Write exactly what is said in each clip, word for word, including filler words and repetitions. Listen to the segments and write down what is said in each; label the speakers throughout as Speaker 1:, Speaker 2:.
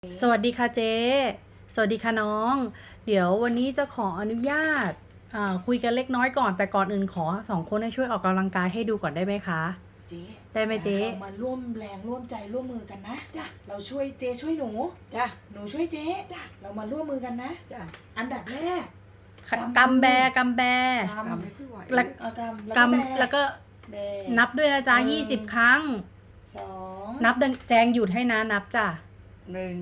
Speaker 1: สวัสดีค่ะเจ๊สวัสดีค่ะน้อง เดี๋ยววันนี้จะขออนุญาตอ่าคุยกันเล็กน้อยก่อน แต่ก่อนอื่นขอสองคนให้ช่วยออกกำลังกายให้ดูก่อนได้ไหมคะ
Speaker 2: เจ๊
Speaker 1: ได้ไหมเจ๊
Speaker 2: เรามาร่วมแรงร่วมใจร่วมมือกันนะจ้ะเราช่วยเจ๊ช่วยหนูจ้ะหนูช่วยเจ๊จ้ะเรามาร่วมมือกันนะจ้ะอันดับแรก
Speaker 1: กำแบกำแบ
Speaker 2: กำไม่ค่อยไหว
Speaker 1: แล้ว
Speaker 2: เอากำแล้ว
Speaker 1: ก
Speaker 2: ก็แบ
Speaker 1: ำแล้วก็
Speaker 2: แบ
Speaker 1: นับด้วยนะจ๊ะ
Speaker 2: หนึ่ง
Speaker 1: ยี่สิบครั้ง
Speaker 2: สอง
Speaker 1: นับดังแจงหยุดให้นะนับจ้ะ
Speaker 3: หนึ่ง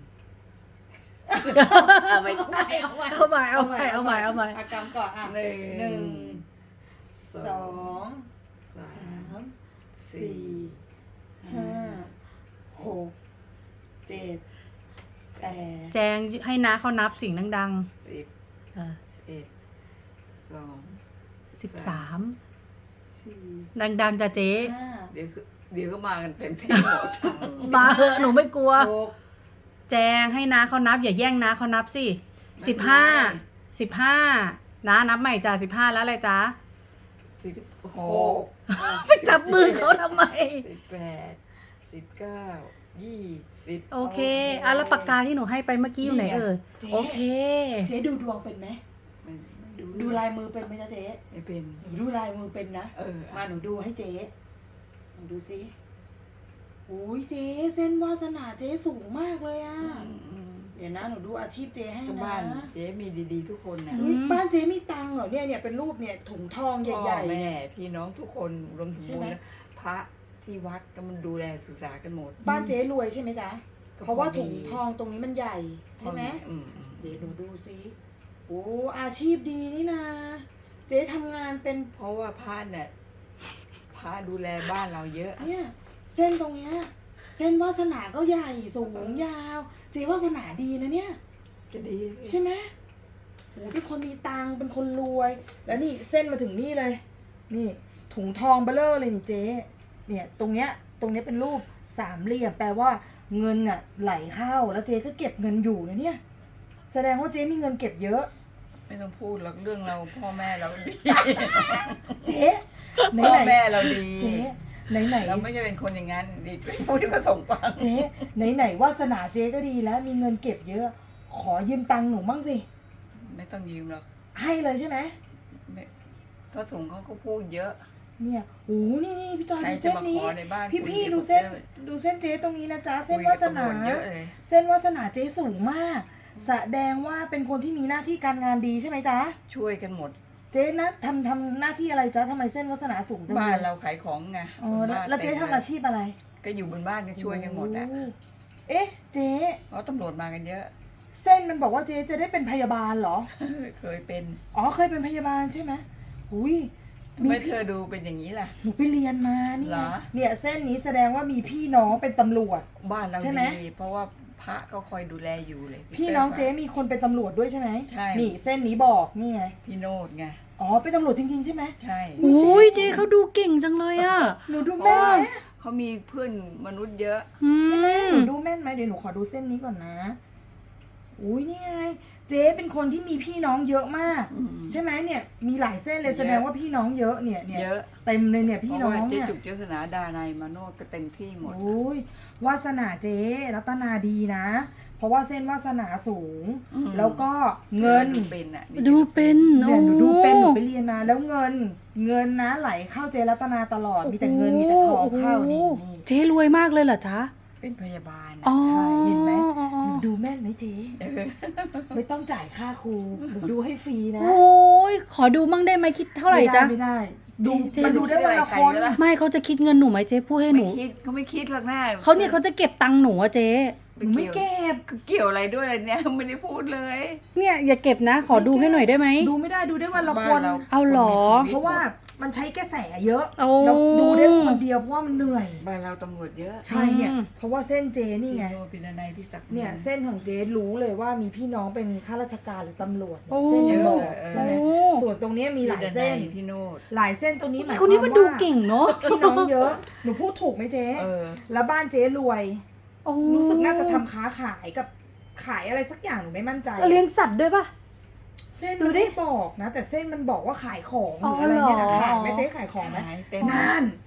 Speaker 1: ไม่ใช่เอาใหม่เอาใหม่เอาใหม่เอาใหม่เอาใหม่
Speaker 2: เอากำก่อนอ่ะ
Speaker 3: หนึ่ง
Speaker 2: หนึ่ง
Speaker 3: ส
Speaker 2: ส
Speaker 3: อ
Speaker 2: อง ง
Speaker 3: สา
Speaker 2: สาม ม
Speaker 3: สี่
Speaker 2: สี่ห้าหกเจ็ดแปด
Speaker 1: แจงให้นะเขานับสิ่งดัง
Speaker 3: สิบ
Speaker 1: ๆเออ
Speaker 3: เอ็ดสอง
Speaker 1: สิบสาม
Speaker 2: สี่
Speaker 1: ดังๆจ้ะเจ๊
Speaker 2: ห้า
Speaker 3: เดี๋ยวก็เดี๋ยวก็มากันเต็มที่หมด
Speaker 1: มาเหอะหนูไม่กลัว
Speaker 2: หก
Speaker 1: แจงให้นะเขานับอย่าแย่งนะเขานับสิ
Speaker 3: ไม่
Speaker 1: สิบ
Speaker 3: เป็นไร
Speaker 1: ห้าสิบห้านะนับใหม่จ้ะสิบห้าแล้วอะไรจ๊ะ
Speaker 3: สิบหก
Speaker 1: ไปจับมือเขาทำไม
Speaker 3: สิบแปดสิบเก้ายี่สิบ
Speaker 1: โอเคอ่ะแล้วปากกาที่หนูให้ไปเมื่อกี้อยู่ไหนเอ่ย
Speaker 2: เจ๊
Speaker 1: โอเค
Speaker 2: เจ๊ดูดวงเป็นไหม
Speaker 3: ไม่ไม่ดู
Speaker 2: ดูลายมือเป็นไหมจ๊ะเจ๊
Speaker 3: ไม่เป็น
Speaker 2: หนูดูลายมือเป็นนะ
Speaker 3: เออ
Speaker 2: มาหนูดูให้เจ๊หนูดูสิอุ้ยเจ๊เส้นวาสนาเจ๊สูงมากเลยอ่ะ
Speaker 3: อืมอืม
Speaker 2: เดี๋ยวนะหนูดูอาชีพเจ๊ให้
Speaker 3: ทุก
Speaker 2: นะ
Speaker 3: บ้านเจ๊มีดีๆทุกคนนะ
Speaker 1: อื
Speaker 2: อุ๊ย
Speaker 1: ม
Speaker 2: บ้านเจ๊มีตังค์เหรอเนี่ยเนี่ยเป็นรูปเนี่ยถุงทองใหญ่
Speaker 3: พ่อ
Speaker 2: ๆ
Speaker 3: แม่
Speaker 2: เนี่ย
Speaker 3: พี่น้องทุกคนรวมถึง
Speaker 2: ใช่
Speaker 3: บุ
Speaker 2: ไหม
Speaker 3: ญนะพระที่วัดก็มันดูแลศึกษากันหมด
Speaker 2: บ้านเจ๊รวยใช่ไหมจ๊ะ
Speaker 3: ก็
Speaker 2: เพราะว่า
Speaker 3: พอดี
Speaker 2: ถุงทองตรงนี้มันใหญ่ใช่ไหม
Speaker 3: อืมอืม
Speaker 2: เดี๋ยวหนูดูสิโอ้อาชีพดีนี่นะเจ๊ทำงานเป็น
Speaker 3: เพราะว่าพระเนี่ยพระดูแลบ้านเราเยอะ
Speaker 2: เนี่ยเส้นตรงเนี้ยเส้นวาสนาก็ใหญ่สูงยาว เจ๊วาสนาดีนะเนี่ย
Speaker 3: จะดี
Speaker 2: ใช่ไหมโอ้เป็นคนมีตังค์เป็นคนรวย แล้วนี่เส้นมาถึงนี่เลย นี่ถุงทองเบลเลอร์เลยนี่เจ๊เนี่ยตรงเนี้ยตรงเนี้ยเป็นรูปสามเหลี่ยมแปลว่าเงินอ่ะไหลเข้าแล้วเจ๊ก็เก็บเงินอยู่นะเนี่ย แสดงว่าเจ๊มีเงินเก็บเยอะ
Speaker 3: ไม่ต้องพูดหรอกเรื่องเราพ่อแม่เราดี
Speaker 2: เจ๊ไหน
Speaker 3: พ่อ
Speaker 2: ไหน
Speaker 3: แม่เราดี
Speaker 2: เจ๊ไหนไหน
Speaker 3: เราไม่ใช่เป็นคนอย่างนั้นดีพูดที่ประสงค์ฟัง
Speaker 2: เจ๊ไหนไหนวาสนาเจ๊ก็ดีแล้วมีเงินเก็บเยอะ ขอยืมตังค์หนูมั่งสิ
Speaker 3: ไม่ต้องยืมหรอก
Speaker 2: ให้เลยใช่ไหม
Speaker 3: ไม่พระสงฆ์เขาก็พูดเยอะ
Speaker 2: เนี่ยโอ้นี่นี่พี่จอย
Speaker 3: ใคร
Speaker 2: ดู
Speaker 3: จะ
Speaker 2: เส้น
Speaker 3: มา
Speaker 2: นี้
Speaker 3: ขอในบ้าน
Speaker 2: พี่พี่
Speaker 3: คุย
Speaker 2: ดูเส้น
Speaker 3: กับ
Speaker 2: ดูเส้นเจ๊ตรงนี้นะจ๊ะ
Speaker 3: คุ
Speaker 2: เส้น
Speaker 3: ยว
Speaker 2: า
Speaker 3: กับ
Speaker 2: สนา
Speaker 3: ตำรวจเยอะเลย
Speaker 2: เส้นวาสนาเจ๊สูงมาก แสดงว่าเป็นคนที่มีหน้าที่การงานดีใช่ไหมจ๊ะ
Speaker 3: ช่วยกันหมด
Speaker 2: เจ๊นะทำทำหน้าที่อะไรจ๊ะทำไมเส้นวาสนาสูงจัง
Speaker 3: บ้า
Speaker 2: เล
Speaker 3: น
Speaker 2: ย
Speaker 3: เราขายของไง
Speaker 2: อ๋อแล้ว
Speaker 3: บ้น
Speaker 2: แล้วเจ๊
Speaker 3: ต็ม
Speaker 2: ทำอาชีพอะไร
Speaker 3: ก็อยู่บนบ้านก็ช่วยกันหมดอ่ะ
Speaker 2: โอ้เอ๊ะเจ๊
Speaker 3: เพราะตำรวจมากันเยอะ
Speaker 2: เส้นมันบอกว่าเจ๊จะได้เป็นพยาบาลเหรอ
Speaker 3: เคยเป็น
Speaker 2: อ๋อเคยเป็นพยาบาลใช่ไหมอุ้ย
Speaker 3: ทำไมเธอดูเป็นอย่างนี้ล่ะ
Speaker 2: หนูไปเรียนมานี่
Speaker 3: เหร
Speaker 2: ไง
Speaker 3: อ
Speaker 2: เนี่ยเส้นนี้แสดงว่ามีพี่น้องเป็นตำรวจ
Speaker 3: บ้านเรา
Speaker 2: ใช่ไหม
Speaker 3: ดีเพราะว่าพระก็คอยดูแลอยู่เลย
Speaker 2: พี่น้องเจ๊มีคนเป็นตำรวจด้วยใช่ไหม
Speaker 3: ใช่
Speaker 2: นี่เส้นนี้บอกนี่ไง
Speaker 3: พี่โนดไง
Speaker 2: อ๋อเป็นตำรวจจริงๆใช่ไหม
Speaker 3: ใช่
Speaker 1: โอ้ยเจ๊เขาดูเก่งจังเลยอ่ะ
Speaker 2: หนูดูแม่นไหม
Speaker 3: เขามีเพื่อนมนุษย์เยอะ
Speaker 1: อื
Speaker 2: ใช่ไหม
Speaker 1: ม
Speaker 2: หนูดูแม่นไหมเดี๋ยวหนูขอดูเส้นนี้ก่อนนะอุ้ยนี่ไงเจ๊เป็นคนที่มีพี่น้องเยอะมาก
Speaker 3: อืม
Speaker 2: ใช่ไหมเนี่ยมีหลายเส้นเลย
Speaker 3: เยอะ
Speaker 2: แสดงว่าพี่น้องเยอะเนี่ยเนี่ย
Speaker 3: เยอะ
Speaker 2: เต็มเลยเนี่ยพี่น้อง
Speaker 3: เพราะว่าเจ๊
Speaker 2: เนี่ย
Speaker 3: จุกเจษนาดานายมาโนดก็เต็มที่หมด
Speaker 2: โอ้ยวาสนาเจ๊รัตนาดีนะ เพราะว่าเส้นวาสนาสูง
Speaker 3: อืม
Speaker 2: แล้วก็เงิน
Speaker 3: ดูเป็นอ่ะ
Speaker 1: ดูเป็น
Speaker 2: เนี่ยหนู
Speaker 1: โอ้
Speaker 2: ดูเป็นหนูไปเรียนมาแล้วเงิน เงินนะไหลเข้าเจรัตนาตลอดมีแต่เงินมีแต่ทองเข้านี่
Speaker 1: โอ้โห
Speaker 2: นี่
Speaker 1: เจ๊รวยมากเลยเหรอจ๊ะ
Speaker 3: เป็นพยาบาล
Speaker 1: อ๋
Speaker 3: อ่ะ
Speaker 1: อ
Speaker 2: ใช่เห็นไหม
Speaker 1: อ๋อ
Speaker 2: หนูดูแม่นไหมเจ๊
Speaker 3: เออ
Speaker 2: ไม่ต้องจ่ายค่าครูหนูดูให้ฟรีนะ
Speaker 1: โอ้ยขอดูมั่งได้ไหมคิดเท่าไหร่จ๊ะ
Speaker 2: ไม่ได้ไม่ได้ดู
Speaker 1: เจ๊
Speaker 2: มันดูได้วันละคน
Speaker 1: ไม่เขาจะคิดเงินหนูไหมเจ๊พูดให้ห
Speaker 3: ไม่
Speaker 1: นู
Speaker 3: คิดเขาไม่คิดหรอกนะ
Speaker 1: เขาเนี่ยเขาจะเก็บตังค์หนูอะเจ๊
Speaker 2: หนูไม่เก็บ
Speaker 3: เกี่ยวอะไรด้วยเนี่ย ไม่ได้พูดเลย
Speaker 1: เนี่ยอย่าเก็บนะ ขอดูให้หน่อยได้ไหม
Speaker 2: ดูไม่ได้ดูได้วันละ
Speaker 3: บ้า
Speaker 2: คน
Speaker 3: เรา
Speaker 1: เอาเหรอ
Speaker 3: คนมีชีวิต
Speaker 2: เพราะว่ามันใช้กระแสเยอะ
Speaker 1: โอ้
Speaker 2: เราดูได้คนเดียวเพราะว่ามันเหนื่อย
Speaker 3: บ้านเราตำรวจเยอะ
Speaker 2: ใช่เนี่ย
Speaker 1: อืม
Speaker 2: เพราะว่าเส้นเจนี่ไง
Speaker 3: พี่โนเป็นนายพี่ศักดิ์
Speaker 2: เนี่ยเส้นของเจ๊รู้เลยว่ามีพี่น้องเป็นข้าราชการหรือตำรวจเนี่ย
Speaker 1: โอ้
Speaker 2: เส้นมันบอก
Speaker 3: เออ
Speaker 2: ใช่ไหม
Speaker 1: โอ้
Speaker 2: ส่วนตรงเนี้ยมีหลายเส้น
Speaker 3: พี่โนด
Speaker 2: หลายเส้นตรงนี้หมายค
Speaker 1: คน
Speaker 2: วาม
Speaker 1: นี้มันดู
Speaker 2: ว่า
Speaker 1: เก่งเนาะ
Speaker 2: พี่น้องเยอะ หนูพูดถูกไหมเจ๊
Speaker 3: เออ
Speaker 2: แล้วบ้านเจ๊รวย
Speaker 1: โอ้
Speaker 2: รู้สึกน่าจะทำค้าขายกับขายอะไรสักอย่างหนูไม่มั่นใจ
Speaker 1: เลี้ยงสัตว์ด้วยป่ะ
Speaker 2: เส้น
Speaker 1: ดู
Speaker 2: มัน
Speaker 1: ดิ
Speaker 2: ไม่บอกนะ แต่เส้นมันบอกว่าขายของห
Speaker 1: อ๋
Speaker 2: รือ ออะไรเนี่ยนะ
Speaker 1: เหรอ
Speaker 2: ขายไหมเจ๊ขายของไหม
Speaker 3: ขายเต็ม
Speaker 2: นั่น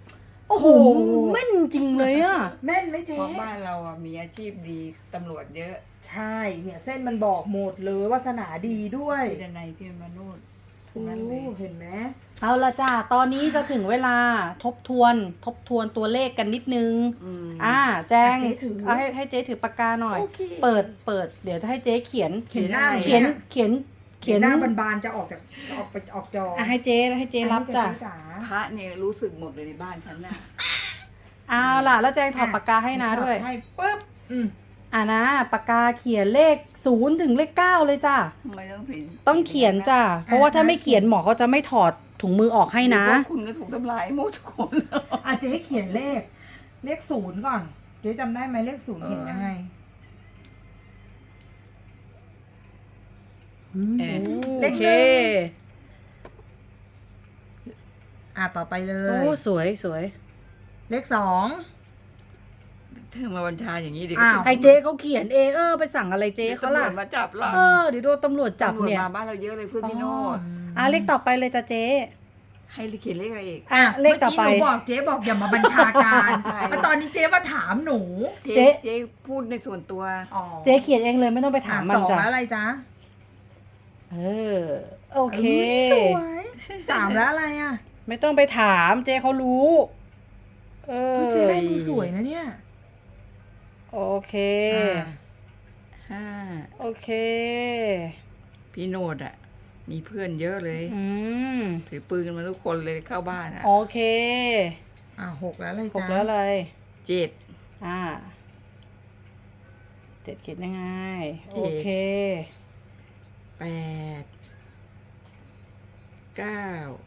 Speaker 1: โอ้โหแม่นจริงเลยอ่ะ
Speaker 2: แม่นไหมเจ๊
Speaker 3: เพราะบ้านเราอ่ะมีอาชีพดีตำรวจเยอะ
Speaker 2: ใช่เนี่ยเส้นมันบอกหมดเลยวาสนาดีด้วย
Speaker 3: พี่ดนัยพี่มนุษย์ทั้
Speaker 2: โอ้
Speaker 3: งนั้นเลย
Speaker 2: เห็นไหม
Speaker 1: เอาละจ้าตอนนี้จะถึงเวลาทบทวนทบทวนตัวเลขกันนิดนึง
Speaker 3: อืม
Speaker 1: อ่า แจง
Speaker 2: อ่ะเจ๊ถือ
Speaker 1: เอาให้ให้เจ๊ถือปากกาหน่อย
Speaker 3: โอเค
Speaker 1: เปิดเปิดเดี๋ยวจะให้เจ๊เขียน
Speaker 2: เขียนหน้า
Speaker 1: เขียนเขียน
Speaker 2: เขียนหน้าบานๆจะออกจากออกไปออกจอ
Speaker 1: อ่ะให้เจ๊ให้เจ๊รับจ้ะ
Speaker 2: อันนี้เจ๋า
Speaker 3: พระเนี่ยรู้สึกหมดเลยในบ้านฉันน่ะ
Speaker 1: เอาล่ะแล้วแจงถอดปากกาให้นะด้วย
Speaker 2: ให้ปุ๊บอืม
Speaker 1: อ่ะนะปากกาเขียนเลขศูนย์ถึงเลขเก้าเลยจ้ะ
Speaker 3: ทำไมต้องเขียน
Speaker 1: ต้องเขียนจ้ะเพราะว่าถ้าไม่เขียนหมอเขาจะไม่ถอดถุงมือออกให้นะ
Speaker 3: หรือว่าคุณก็ถูกทำลายหมดทุกคน
Speaker 2: อ่ะเจ๊เขียนเลข เลขศูนย์ก่อนเจ๊จำได้ไหมเลขศูนย์เขียนยังไง
Speaker 3: เออ
Speaker 1: โอเค
Speaker 2: อ่ะต่อไปเล
Speaker 1: โอ้
Speaker 2: ย
Speaker 1: สวยสวย
Speaker 2: เลขสอง
Speaker 3: เธอมาบัญชาอย่างนี้ดิ
Speaker 2: อ้าว
Speaker 1: ให้เจ๊เขาเขียนเองเออไปสั่งอะไรเจ๊เขาล่ะ
Speaker 3: ตำรวจมาจับเรา
Speaker 1: เออเดี๋ยวโดนตำรวจจับ
Speaker 3: ตำรวจ
Speaker 1: เนี่ย
Speaker 3: มาบ้านเราเยอะเลยเพื่อนพี่โนด
Speaker 1: อ่ะเลขต่อไปเลยจ้ะเจ๊
Speaker 3: ให้เขียนเลขอะไรอีก
Speaker 1: อ่ะเลขต่อไป
Speaker 2: เมื่กี้หนูบอกเจ๊บอกอย่ามาบัญชาการ
Speaker 3: ใช่
Speaker 2: แล้วตอนนี้เจ๊มาถามหนู
Speaker 1: เจ๊
Speaker 3: เจ๊พูดในส่วนตัว
Speaker 2: อ๋อ
Speaker 1: เจ๊เขียนเองเลยไม่ต้องไปถามมัน
Speaker 2: สอง
Speaker 1: จ้ะ
Speaker 2: แล้วอะไรจ๊ะ
Speaker 1: เออโอเค
Speaker 2: ยสวยสามแล้วอะไรอ่ะ
Speaker 1: ไม่ต้องไปถามเจ๊เขารู้ เออ
Speaker 2: เฮ้ยเจ๊ได้มือสวยนะเนี่ย
Speaker 1: โอเค
Speaker 2: อ่า
Speaker 3: ห้า
Speaker 1: โอเค
Speaker 3: พี่โนดอ่ะ มีเพื่อนเยอะเลย
Speaker 1: อืม
Speaker 3: ถือปืนมาทุกคนเลยเข้าบ้านอ่ะ
Speaker 1: โอเค
Speaker 2: อ่าหกแล้วอะไร
Speaker 1: หก
Speaker 2: จ๊ะ
Speaker 1: แล้วเลย
Speaker 3: เจ็ด
Speaker 1: อ่าเจ็ดเขียนยังไง
Speaker 3: เจ็
Speaker 1: โอ
Speaker 3: ด
Speaker 1: เค
Speaker 3: แปดเก้า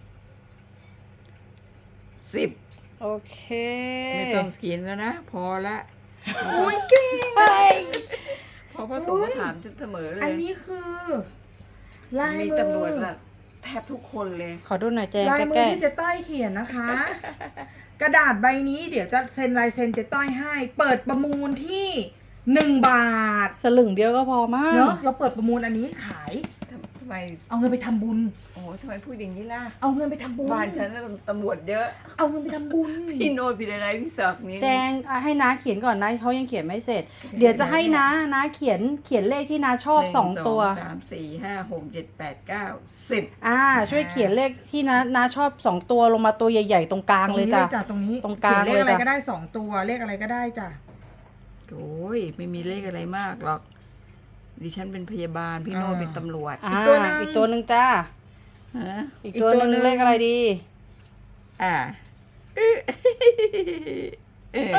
Speaker 3: สิบ
Speaker 1: โอเค
Speaker 3: ไม่ต้องเขียนแล้วนะ พอละ
Speaker 2: อุ้ยเก่ง
Speaker 3: เพราะพระสงฆ์มาถามฉันเสมอเลย
Speaker 2: อันนี้คือลาย
Speaker 3: มี
Speaker 2: มือ
Speaker 3: ตำรวจละแทบทุกคนเลย
Speaker 1: ขอดูหน่อยแจง
Speaker 2: ลายมื
Speaker 1: ใก
Speaker 2: อ
Speaker 1: ล้
Speaker 2: ที่เจ๊ต้อยเขียนนะคะ กระดาษใบนี้เดี๋ยวจะเซ็นลายเซ็นเจ๊ต้อยให้ เปิดประมูลที่หนึ่งบาท
Speaker 1: ๆสลึงเดียวก็พอมาก
Speaker 2: เนาะเราเปิดประมูลอันนี้ขาย
Speaker 3: ทำไม
Speaker 2: เอาเงินไปทำบุญ
Speaker 3: โอ้โหทำไมพูดอย่างนี้ล่ะ
Speaker 2: เอาเงินไปทำบุญ
Speaker 3: บ้านฉันน่ะตำรวจเยอะ
Speaker 2: เอาเงินไปทำบุญ
Speaker 3: พี่โนดพี่ดนัยพี่ศักดิ์นี่
Speaker 1: แจงอ่ะให้น้าเขียนก่อนนะเขายังเขียนไม่เสร็จ เดี๋ยวจะให้น้าน้าเขียนเขียนเลขที่น้าชอบ
Speaker 3: หนึ่
Speaker 1: สองตัว
Speaker 3: สามสี่ห้าหกเจ็ดแปดเก้าสิบ
Speaker 1: อ่า ช่วยเขียนเลขที่น้าน้าชอบสองตัวลงมาตัวใหญ่ๆตรงกลาง
Speaker 2: ตรง
Speaker 1: เลย
Speaker 2: นี้
Speaker 1: จ้ะ
Speaker 2: เลยจ้ะตรงนี้
Speaker 1: ตรงกลาง
Speaker 2: เขียนเลขอะไร
Speaker 1: เลยจ้ะ
Speaker 2: ก็ได้สองตัวเลขอะไรก็ได้จ้ะ
Speaker 3: โอ้ยไม่มีเลขอะไรมากหรอก ดิฉันเป็นพยาบาลพี่โนดเป็นตำรวจ
Speaker 1: อ่า
Speaker 2: อีกตัวหนึ่ง
Speaker 1: อีกตัวหนึ่งจ้า
Speaker 3: ฮะ
Speaker 1: อีก
Speaker 2: อีก
Speaker 1: ตัว
Speaker 2: ตัว
Speaker 1: ห
Speaker 2: หนึ่
Speaker 1: นึ่ง
Speaker 2: ง
Speaker 1: เลขอะไรดี
Speaker 3: อ่าเอ๊ะเอ๊ะ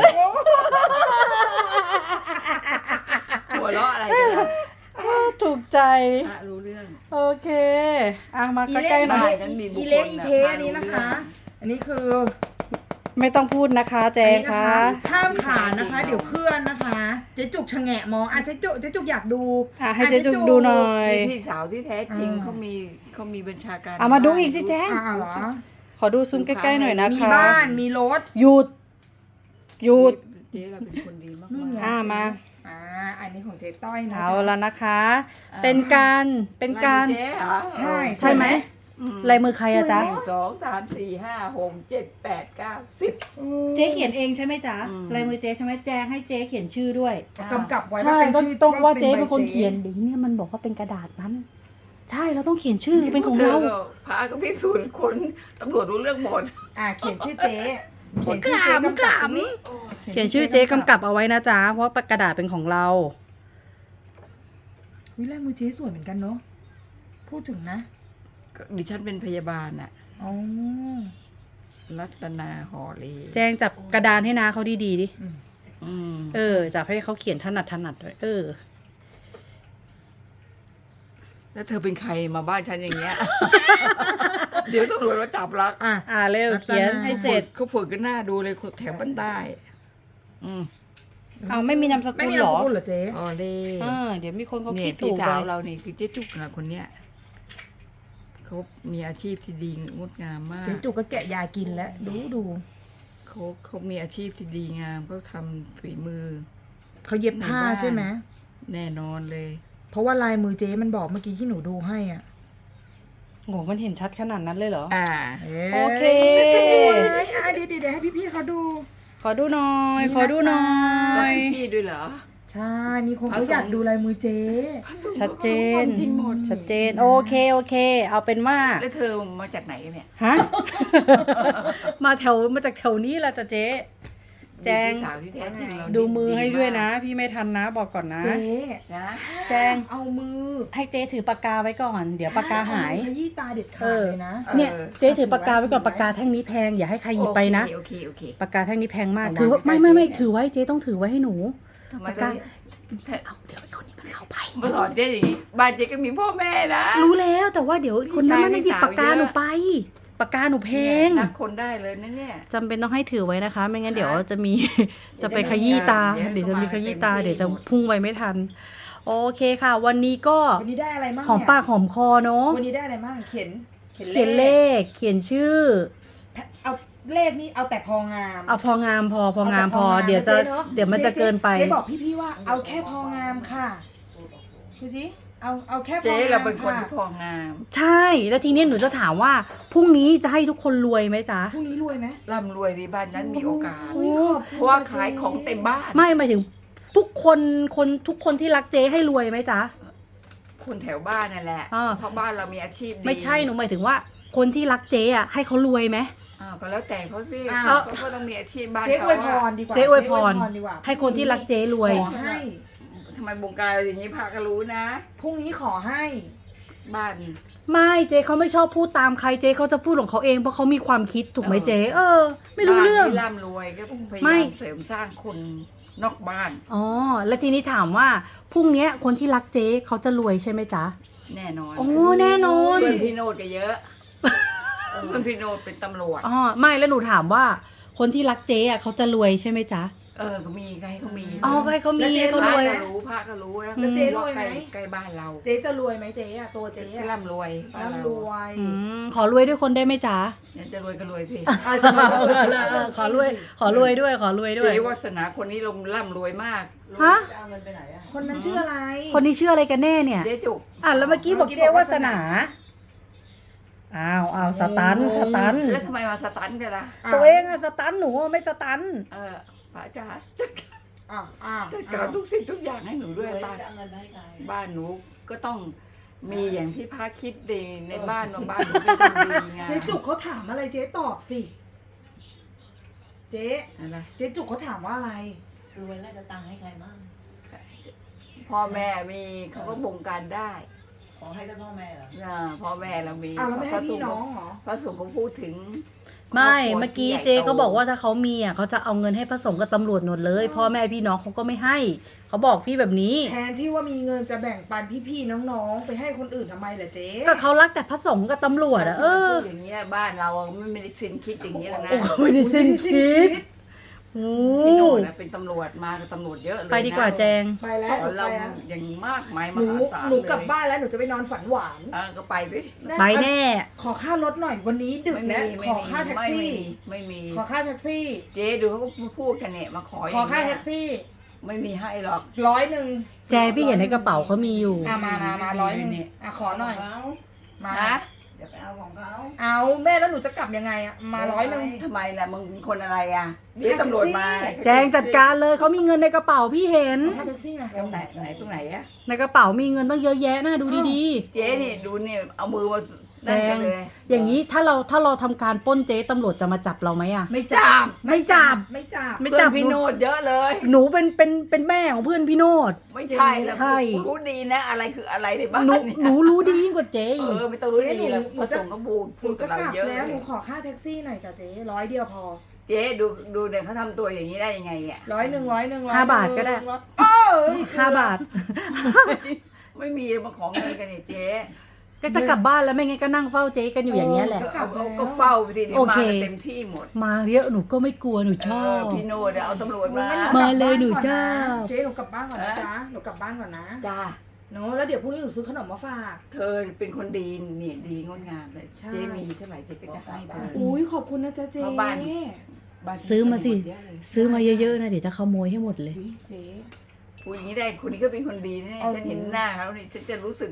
Speaker 3: หัวเราะอะไรกันล่ะ
Speaker 1: ถูกใจ
Speaker 3: พระรู้เรื่อง
Speaker 1: โอเค อ่ะมา
Speaker 2: อี
Speaker 1: ใก
Speaker 2: เล
Speaker 1: ล้
Speaker 2: ข
Speaker 1: ๆหน่อย
Speaker 3: บ้านนั้นมีบุคคล
Speaker 2: อีเลขอีเท
Speaker 3: น่ะ
Speaker 2: อันนี้นะคะ อันนี้คือ
Speaker 1: ไม่ต้องพูดนะคะแจ
Speaker 2: อัน
Speaker 1: ง
Speaker 2: นี้นะ
Speaker 1: คะ
Speaker 2: คะห้ามขานนะคะ เดี๋ยวเคลื่อนนะคะเจ๊จุกชะแงะมองอ่ะเจ๊จุกเจ๊จุกอยากดู
Speaker 1: อ่ะให้เจ๊จุกดูหน่อย
Speaker 3: มีพี่สาวที่แท้จริง
Speaker 2: อ่า
Speaker 3: เขามีเขามีบัญชาการ
Speaker 1: เอามาดูอีกสิแจ้ง
Speaker 2: อ่าเหรอ
Speaker 1: ขอดูซูมใกล้ๆหน่อยนะคะ
Speaker 2: มีบ้านมีรถ
Speaker 1: หยุด หยุด
Speaker 3: เจ๊เราเป็นคนดีมาก
Speaker 2: นี่ไง
Speaker 1: อ่ามา
Speaker 2: อ่าอันนี้ของเจ๊ต้อยนะ
Speaker 1: เอา
Speaker 2: จ๊ะ
Speaker 1: แล้วนะคะ เป็นการเป็นการ
Speaker 3: ลยมือเจ๊เหรอ
Speaker 2: ใช่
Speaker 1: ใช่ไหม
Speaker 3: อืม
Speaker 1: ลายมือใครอะจ๊ะ
Speaker 3: หนึ่งสองสามสี่ห้าหกเจ็ดแปดเก้าสิบ
Speaker 1: เจ๊เขียนเองใช่ไหมจ๊ะ
Speaker 3: อืม
Speaker 1: ลายมือเจ๊ใช่ไหมแจงให้เจ๊เขียนชื่อด้วย
Speaker 2: กำกับไว้
Speaker 1: ใช่
Speaker 2: ว่า
Speaker 1: ก็
Speaker 2: เป็นชื่อ
Speaker 1: ต้องว่า
Speaker 2: ป็
Speaker 1: เจ๊เป็นคน
Speaker 2: ใบ
Speaker 1: เขียนเดี๋ยวเนี่ยมันบอกว่าเป็นกระดาษนั้น ใช่เราต้องเขียนชื่อเป็นของเรา
Speaker 3: ธก็พาก็พิสูจน์คนตำรวจรู้เรื่องหมด
Speaker 2: อ่าเขียนชื่อเจ๊เขียนชื่อเจ๊กำกับตรงนี้
Speaker 1: เขียนชื่อเจ๊กำกับเอาไว้นะจ๊ะเพราะกระดาษเป็นของเรา
Speaker 2: วิลายมือเจ๊สวยเหมือนกันเนาะพูดถึงนะ
Speaker 3: ก็ดิฉันเป็นพยาบาลอะ
Speaker 2: อ๋อ
Speaker 3: รัตนาหอเล
Speaker 1: แจงจับกระดานให้นาเขาดีๆดิ
Speaker 2: อืม
Speaker 3: อืม
Speaker 1: เออจับให้เขาเขียนถนัดถนัดด้วยเออ
Speaker 3: แล้วเธอเป็นใครมาบ้านฉันอย่างเงี้ย เดี๋ยวตำรวจมาจับลัก
Speaker 2: อ่ะ
Speaker 1: อ่าเร็ว
Speaker 2: รัตนา
Speaker 1: เขียนให้เสร็จ
Speaker 3: เขาฝึกกันหน้าดูเลยคนแถวบ้านใต้อืม
Speaker 1: เอาไม่มีนามส
Speaker 2: ไม่
Speaker 1: กุล
Speaker 2: มี
Speaker 1: เหร
Speaker 2: นาม
Speaker 1: อ
Speaker 2: สกุลเหรอเจ๊
Speaker 3: หอเล
Speaker 1: เออเดี๋ยวมีคนเขา
Speaker 3: เนี่
Speaker 1: คิ
Speaker 3: ย
Speaker 1: ด
Speaker 3: พี่
Speaker 1: ถูก
Speaker 3: สาว
Speaker 1: เลย
Speaker 3: เรานี่คือเจ๊จุกนะคนเนี้ยเขามีอาชีพที่ดีงดงามมาก
Speaker 2: เจ๊จุกก็แกะยากินแล้ว ดูดู
Speaker 3: เขาเขามีอาชีพที่ดีงามเขาทำฝีมือ
Speaker 2: เขาเย็บผ้า
Speaker 3: ในบ้าน
Speaker 2: ใช่ไหม
Speaker 3: แน่นอนเลย
Speaker 2: เพราะว่าลายมือเจ๊มันบอกเมื่อกี้ที่หนูดูให้อ่ะ
Speaker 1: โหมันเห็นชัดขนาดนั้นเลยเหรอ
Speaker 3: อ่า
Speaker 1: โอเค
Speaker 2: สวยอ่ะเดี๋ยวเดี๋ยวเดี๋ยวให้พี่ๆเขาดู
Speaker 1: ขอดูหน่อย
Speaker 2: นี่นะ
Speaker 1: ขอดูหน่อ
Speaker 3: แล้ว
Speaker 1: ย
Speaker 3: พี่ด้วยเหรอ
Speaker 2: ใช่ มีคนเขาอยากดูลายมือเจ๊
Speaker 1: ชัดเจน
Speaker 3: จริงหมด
Speaker 1: ชัดเจน โอเค โอเค เอาเป็นว่า
Speaker 3: แล้วเธอมาจากไหนกันเนี่ย
Speaker 1: ฮะ มาแถว มาจากแถวนี้แหละจ้ะเจ๊ แจง
Speaker 3: พี่สาวที่แท้จริงเรา
Speaker 1: ดูมือให้ด้วยนะ พี่ไม่ทันนะ บอกก่อนนะ
Speaker 2: เจ๊
Speaker 3: นะ
Speaker 1: แจง
Speaker 2: เอามือ
Speaker 1: ให้เจ๊ถือปากกาไว้ก่อน เดี๋ยวปากกาหาย
Speaker 2: เอมือขยี้ตาเด็ดขา
Speaker 1: เอ
Speaker 2: ด
Speaker 1: อ
Speaker 2: เลยนะ
Speaker 1: เนี่ย เจ๊ถือปากกาไว้ก่อน
Speaker 2: ถือไว้
Speaker 1: ปากกาแท่งนี้แพง อย่าให้ใครหยิบไปนะ
Speaker 3: โอเคโอเคโอเค
Speaker 1: ปากกาแท่งนี้แพงมาก
Speaker 3: เอาวาง
Speaker 1: ถือว่า
Speaker 3: ใกล้
Speaker 1: ไม่ไม่ไม่
Speaker 3: ๆ
Speaker 1: ถือไว้ เจ๊ต้องถือไว้ให้หนู
Speaker 3: ทำไม
Speaker 1: ปากกา
Speaker 3: เธอ
Speaker 1: เอาเดี๋ยวไอ้คนนี้มันเอาไป
Speaker 3: มาสอนเจ๊อย่างนี้บ้านเจ๊ก็มีพ่อแม่นะ
Speaker 1: รู้แล้วแต่ว่าเดี๋ยวคนนั้นมัน
Speaker 3: พี่
Speaker 1: หยิบ
Speaker 3: ชาย
Speaker 1: ปากกา
Speaker 3: พี่สาว
Speaker 1: หนูไป ปากกาหนูแพง
Speaker 3: นับคนได้เลยนะเนี่ย
Speaker 1: จำเป็นต้องให้ถือไว้นะคะ ไม่งั้น
Speaker 3: ฮะ
Speaker 1: เดี๋ยวจะมี
Speaker 3: เดี๋
Speaker 1: จะ
Speaker 3: ยว
Speaker 1: ไป
Speaker 3: จะ
Speaker 1: ขยี้ตา
Speaker 3: เดี๋
Speaker 1: เดี๋ย
Speaker 3: ยว ว
Speaker 1: จะมี
Speaker 3: จะ
Speaker 1: ข
Speaker 3: มา
Speaker 1: ยี้
Speaker 3: เต็ม
Speaker 1: ตา
Speaker 3: ที่
Speaker 1: เดี๋ยวจะ
Speaker 3: หมด
Speaker 1: พุ่งไปไม่ทัน โอเคค่ะ วันนี้ก็
Speaker 2: วันนี้ได้อะไรบ้าง
Speaker 1: หอม
Speaker 2: เนี่ย
Speaker 1: ปากหอมคอเนาะ
Speaker 2: วันนี้ได้อะไรบ้างเขียน
Speaker 1: เขียนเลข เขียนชื่อ
Speaker 2: เอาเลขนี้เอาแต่พองาม
Speaker 1: เอาพองามพอพองามพอ
Speaker 2: เอาแต่
Speaker 1: เดี๋ยวจะ
Speaker 2: นเน
Speaker 1: เดี๋ยวมันจะเกินไป
Speaker 2: เจ๊บอกพี่ๆว่าเอาแค่พองามค่ะดูสิเอาเอาแค่พอ
Speaker 3: เจ๊
Speaker 2: งาม
Speaker 3: เราเป็นคน
Speaker 2: ค่ะ
Speaker 3: ที่พองาม
Speaker 1: ใช่ แล้วทีนี้หนูจะถามว่าพรุ่งนี้จะให้ทุกคนรวยไหมจ๊ะ
Speaker 2: พรุ่งนี้รวยไหม
Speaker 3: ร่ำรวยในบ้านนั้นมีโอกาส
Speaker 2: โอ้ยขอบคุณ
Speaker 3: เพราะว่า
Speaker 2: จ๊
Speaker 3: ขายของเต็มบ้าน
Speaker 1: ไม่หมายถึงทุกคนคนทุกคนที่รักเจ๊ให้รวยไหมจ๊ะ
Speaker 3: คนแถวบ้านนั่นแหละ
Speaker 1: อ่า
Speaker 3: เพราะบ้านเรามีอาชีพดี
Speaker 1: ไม่ใช่หนูหมายถึงว่า คนที่รักเจ๊อะให้เขารวยไหม
Speaker 3: อ้าวก็แล้วแต่เขาสิ
Speaker 2: อ้าว
Speaker 3: เขาก็ต้องมีอาชีพบ้าน
Speaker 2: เจ๊อ
Speaker 3: เขา
Speaker 2: วยพ
Speaker 3: อะ
Speaker 2: รดีกว่า
Speaker 1: เจ๊อวยพร
Speaker 2: ดีกว่า
Speaker 1: ให้คนที่รักเจ๊รวย
Speaker 2: ขอให้
Speaker 3: ทำไมบงการอย่างนี้พาก็รู้นะ
Speaker 2: พรุ่งนี้ขอให้
Speaker 3: บ้าน
Speaker 1: ไม่เจ๊เขาไม่ชอบพูดตามใครเจ๊เขาจะพูดของเขาเองเพราะเขามีความคิดถูกไหม
Speaker 3: เออ
Speaker 1: เจ๊เออ ไม่รู้เรื่อง
Speaker 3: บ้านที่ร่ำรวยก็พยา
Speaker 1: ไม่
Speaker 3: ยามเสริมสร้างคนนอกบ้าน
Speaker 1: อ๋อแล้วทีนี้ถามว่าพรุ่งเนี้ยคนที่รักเจ๊เขาจะรวยใช่ไหมจ๊ะ
Speaker 3: แน่นอน
Speaker 1: โอ้แน่นอน
Speaker 3: เพื่อนพี่โนดก็เยอะ เพื่อนพี่โนดเป็นตำรวจ
Speaker 1: อ๋อไม่แล้วหนูถามว่า คนที่รักเจ๊อะเขาจะรวยใช่ไหมจ๊ะ
Speaker 3: เออเขามีก็ให้เขามี
Speaker 1: อ๋อก็ให้เขามี
Speaker 2: แล้วเจ๊
Speaker 1: ให้เขา
Speaker 3: พ
Speaker 1: ร
Speaker 3: ระ
Speaker 1: วย
Speaker 3: ก็รู้พระก็รู้นะ
Speaker 2: แล้วเจ๊รวยไหม
Speaker 3: ใกล้ใกล้บ้านเรา
Speaker 2: เจ๊จะรวยไหมเจ๊อะตัวเจ๊
Speaker 3: จะ
Speaker 2: อะ
Speaker 3: ร่ำรวยบ้านเา
Speaker 2: ร่ำรวย
Speaker 1: อืมขอรวยด้วยคนได้ไหมจ๊ะ
Speaker 3: เนี่ยจะรวยก็รวยสิ
Speaker 2: อาจจะรวย
Speaker 1: ขอรวย ขอรวยด้วย ขอรวยด้วย
Speaker 3: เจ๊วาสนาคนนี้ลงร่ำรวยมาก
Speaker 1: ฮะ
Speaker 2: จะเอาเงินไปไหนอะคนนั้นชื่ออะไร
Speaker 1: คนนี้ชื่ออะไรกันแน่เนี่ย
Speaker 3: เจ๊จุก
Speaker 1: อ่ะแล้วเมื่อกี้บอกเจ๊วาสนา อ้าวอ้าวสตัน สตัน
Speaker 3: แล้วทำไมมาสตันกันล่ะ
Speaker 1: ตัวเองอะสตันหนูอะไม่สตัน
Speaker 3: เออป้าจ๋า
Speaker 2: อ้าวอ้าว
Speaker 3: จัดการทุกสิ่งทุกอย่างให้หนูด้วยบ้านบ้านหนูก็ต้องมีอย่างที่พระคิดดีในบ้านว่าบ้านหนูเป็นคนดีไง
Speaker 2: เจ๊จุกเขาถามอะไรเจ๊ตอบสิ เจ๊
Speaker 3: อะไร
Speaker 2: เจ๊จุกเขาถามว่าอะไร
Speaker 4: รวยแล้วจะตังค์ให้ใครบ้าง
Speaker 3: พ่อแม่มีเขาก็บงการได้
Speaker 4: ขอให้แต่พ่อแม่เหรอ
Speaker 3: อ่าพ่อแม่เรามี
Speaker 2: อ้าวแล้วไม่ให้พี่น้อง
Speaker 3: พ
Speaker 2: เหรอ
Speaker 3: ระสงฆ์เขาพูดถึง
Speaker 1: ไม่
Speaker 3: ครบครัว
Speaker 1: เมื่อกี้
Speaker 3: ที่ใหญ่
Speaker 1: เจ๊เขา
Speaker 3: โต
Speaker 1: บอกว่าถ้าเขามีอ่ะเขาจะเอาเงินให้พระสงฆ์กับตำรวจหมดเลย พ่อแม่พี่น้องเขาก็ไม่ให้ เขาบอกพี่แบบนี้
Speaker 2: แทนที่ว่ามีเงินจะแบ่งปันพี่ๆน้องๆ ไปให้คนอื่นทำไมล่ะเจ๊
Speaker 1: ก็เขารักแต่พระสงฆ์กับตำรวจอะเออ
Speaker 3: พูดอย่างเงี้ยบ้านเราอะไม่ได้สิ้นคิดอย่างนี้แล้วนะ
Speaker 1: โอ้ไม่ได้สิ้นคิดโอ้
Speaker 3: พี่โน่นะเป็นตำรวจมากับตำรวจเยอะเลยนะ
Speaker 1: ไปดีกว่าแจง
Speaker 2: ไปแล้ว
Speaker 3: ส
Speaker 2: ห
Speaker 3: อ
Speaker 2: นู
Speaker 3: น
Speaker 2: ไป
Speaker 3: เรา
Speaker 2: แล้ว
Speaker 3: อย่างมากมาย
Speaker 2: ห
Speaker 3: ม
Speaker 2: นู
Speaker 3: หาศาล
Speaker 2: หนูกลับ
Speaker 3: เลย
Speaker 2: บ้านแล้วหนูจะไปนอนฝันหวาน
Speaker 3: เออก็ไปดิ
Speaker 1: ไปแน่
Speaker 2: ขอค่ารถหน่อยวันนี้ดึก
Speaker 3: ไม่มี
Speaker 2: แล้ว
Speaker 3: ไม่
Speaker 2: ขอ
Speaker 3: มี
Speaker 2: ค่าแท็ก
Speaker 3: ไม่มี
Speaker 2: ซี่
Speaker 3: ไม่มี
Speaker 2: ขอค่าแท็กซี่
Speaker 3: เจ๊ดูเขาก็พูดกันเนี่ยมาขอ
Speaker 2: ขอค่า
Speaker 3: ย่ง
Speaker 2: แท็
Speaker 3: เงี้ย
Speaker 2: กซี่
Speaker 3: ไม่มีให้หรอก
Speaker 2: ร้อยหนึ่ง
Speaker 1: แจงพี่เห็นในกระเป๋าเขามีอยู่
Speaker 2: อ่ะมามามาร้อยหนึ่งอ่ะขอหน่อย
Speaker 4: เขา
Speaker 2: มา
Speaker 3: นะ
Speaker 4: อย่าไปเอาของเขา
Speaker 2: เอาแม่แล้วหนูจะกลับยังไงอ่ะ มาร้อยหนึ่ง
Speaker 3: ทำไมล่ะมึงเป็นคนอะไรอ่ะเดี๋ยวตำรวจมา
Speaker 1: แจงจัดการเลยเขามีเงินในกระเป๋าพี่เห็น
Speaker 2: ค่าแท็กซี่มา
Speaker 3: ตรงไหนไหนตรงไหนอะ
Speaker 1: ในกระเป๋ามีเงินต้องเยอะแยะนะดูดี
Speaker 3: เจ๊นี่ดูเนี่ยเอามือมา
Speaker 1: แจง
Speaker 3: นั่นกันเลย
Speaker 1: ๆ อย่างนี้ถ้าเราถ้าเราทำการปล้นเจ๊ตำรวจจะมาจับเราไหมอะ
Speaker 2: ไม่จับ
Speaker 1: ไม่จับ
Speaker 2: ไม่จับ
Speaker 1: ไม่
Speaker 3: เพื่
Speaker 1: จั
Speaker 3: อบ นพี่
Speaker 1: หนู
Speaker 3: โนดเยอะเลย
Speaker 1: หนูเป็นเป็นเป็นแม่ของเพื่อนพี่โนด
Speaker 3: ไม่ใช่แล้ว
Speaker 1: ใช่
Speaker 3: กูรู้ดีนะ อะไรคืออะไรในบ้าน
Speaker 1: หนู
Speaker 3: เนี่ย
Speaker 1: หนูรู้ดียิ่งกว่าเจ๊
Speaker 3: เอ
Speaker 1: อีก
Speaker 3: อไม่ต้องรู้ดีแล้วพระสงฆ์ก็บูด
Speaker 2: ห
Speaker 3: พู
Speaker 2: นู
Speaker 3: ดกั
Speaker 2: จะ
Speaker 3: บเรา
Speaker 2: กลับ
Speaker 3: เยอะ
Speaker 2: แล้วห
Speaker 3: เล
Speaker 2: นู
Speaker 3: ย
Speaker 2: ขอค่าแท็กซี่หน่อยจ้ะเจ๊ร้อยเดียวพอ
Speaker 3: เจ๊ดูดูเนี่ยเขาทำตัวอย่างนี้ได้ยังไงเนี่ย
Speaker 2: ร้อยหนึ่งร้อยหนึ่งร้อย
Speaker 1: ห้าบาทก็ได้
Speaker 2: ร้อยเอ้ย
Speaker 1: ห้าบาท
Speaker 3: ไม่มีมาของเงินกันเนี่ยเจ๊
Speaker 1: ก็จะกลับบ้านแล้วไม่งั้นก็นั่งเฝ้าเจ๊กันอยู่อย่างเงี้ยแหละ
Speaker 3: ก็เอาเอาก็เฝ้าไปทีเดียว
Speaker 1: โอ
Speaker 3: มา
Speaker 1: เค
Speaker 3: กันเต็มที่หมด
Speaker 1: มาเยอะหนูก็ไม่กลัวหนูช
Speaker 3: เอ
Speaker 1: อ
Speaker 3: อบ พี่โนดเอาตำรวจมา
Speaker 2: งั้น
Speaker 1: มาเลย
Speaker 2: กบบ้
Speaker 1: หนู
Speaker 2: ก่อ
Speaker 1: จ้า
Speaker 2: เจ๊หนูกลับบ้านก่อนนะจ๊ะหนูกลับบ้านก่อนนะ
Speaker 3: จ้า
Speaker 2: เนอะแล้วเดี๋ยวพรุ่งนี้หนูซื้อขนมมาฝาก
Speaker 3: เธอเป็นคนดีเนี่ยดีงดงามเลย
Speaker 2: ใช่
Speaker 3: เจ๊มีเท่าไหร่เจ๊ก็จะให้เธอ
Speaker 2: อุ้ยขอบคุณนะจ๊ะเจ๊
Speaker 3: เพราะบ้าน บ้น
Speaker 1: ซื้อมาสิ
Speaker 3: เยอะเลย
Speaker 1: ซื้อมาเยอะๆนะเดี๋ยวจะขโมยให้หมดเลย
Speaker 2: อุ๊ยเจ๊
Speaker 3: พูดอย่างนี้ได้คนนี้ก็เป็นคนดีนะเนี่ย
Speaker 2: เอา
Speaker 3: ฉันเห็นหน้าเขาเนี่ยฉันจะรู้สึก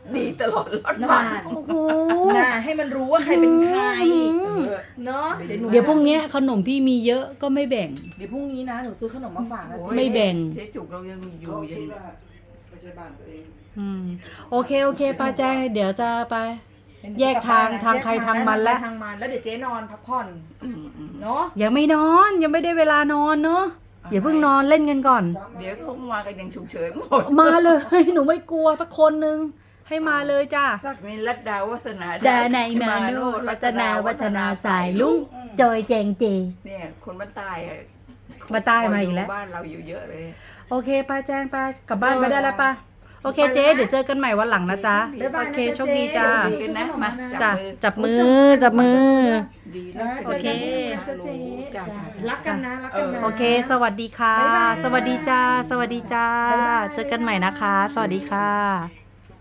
Speaker 3: ดีตลอดรอด
Speaker 2: นา
Speaker 3: ฝั่ง
Speaker 2: น
Speaker 1: โอ้โห
Speaker 2: น่าให้มันรู้ว่าใครเป็นใคร
Speaker 1: อืม
Speaker 3: เออ
Speaker 2: เนาะเดี๋ยวหนู
Speaker 1: เดี๋ยวพรุ่งเนี้ยขนมพี่มีเยอะก็ไม่แบ่ง
Speaker 2: เดี๋ยวพรุ่งนี้นะหนูซื้อขนมมาฝากนะ
Speaker 3: โอ้
Speaker 2: เจ๊
Speaker 3: ย
Speaker 1: ไม่แบ่ง
Speaker 3: เจ๊จุกเรายังอยู่
Speaker 4: เขา
Speaker 3: ยั
Speaker 4: คิ
Speaker 3: ง
Speaker 4: ดว่าไม่ใช่บ้านตัวเอง
Speaker 1: อืมโอเคโอเคป้าแจ้งเดี๋ยวจะไป แยกทางทางใครทางมันละ
Speaker 2: ทางมันแล้วเดี๋ยวเจ๊นอนพักผ่อน
Speaker 3: อืมอืม
Speaker 2: เนาะ
Speaker 1: ยังไม่นอนยังไม่ได้เวลานอนเนอะอย่าเพิ่งนอนเล่นกันก่อน
Speaker 3: เดี๋ยวเขามากันยังฉุกเฉินหมด
Speaker 1: มาเลย หนูไม่กลัวสักคนนึงให้มาเลยจ้า
Speaker 3: สักนิรัตดาวัฒนา
Speaker 1: ดาในมาโนรัตนาวัฒนาสายลุงจอยแจงเจ
Speaker 3: เนี่ยคนบ้านใต้อะ
Speaker 1: มาใต้มาอีกแล้ว
Speaker 3: บ้านเราอยู่เยอะเลย
Speaker 1: โอเคป้าแจ้งป้ากลับบ้านไปได้แล้วป้าโอเคเจ๊เดี๋ยวเจอกันใหม่วันหลังนะจ๊ะ
Speaker 2: บ๊ายบาย
Speaker 1: โอ
Speaker 2: นะ
Speaker 1: เค
Speaker 2: จ๊ะ
Speaker 1: โชคดีจ้า
Speaker 2: เจ๊
Speaker 3: ดีกันนะมา
Speaker 1: จ้ะ
Speaker 3: จับมือ
Speaker 1: จับมือจับมือ
Speaker 3: ดีแล้ว
Speaker 2: นะเจอกันพรุ่งนี้นะจ๊ะเจ๊
Speaker 3: จ้ะ
Speaker 2: จ้ะ
Speaker 3: จ้ะ
Speaker 2: รักกันนะรักกันนะ
Speaker 1: โอเค สวัสดีค่ะ
Speaker 2: บ๊ายบาย
Speaker 1: สวัสดีจ้า สวัสดีจ้า
Speaker 2: บ๊ายบาย
Speaker 1: เจอกันใหม่นะคะ สวัสดีค่ะ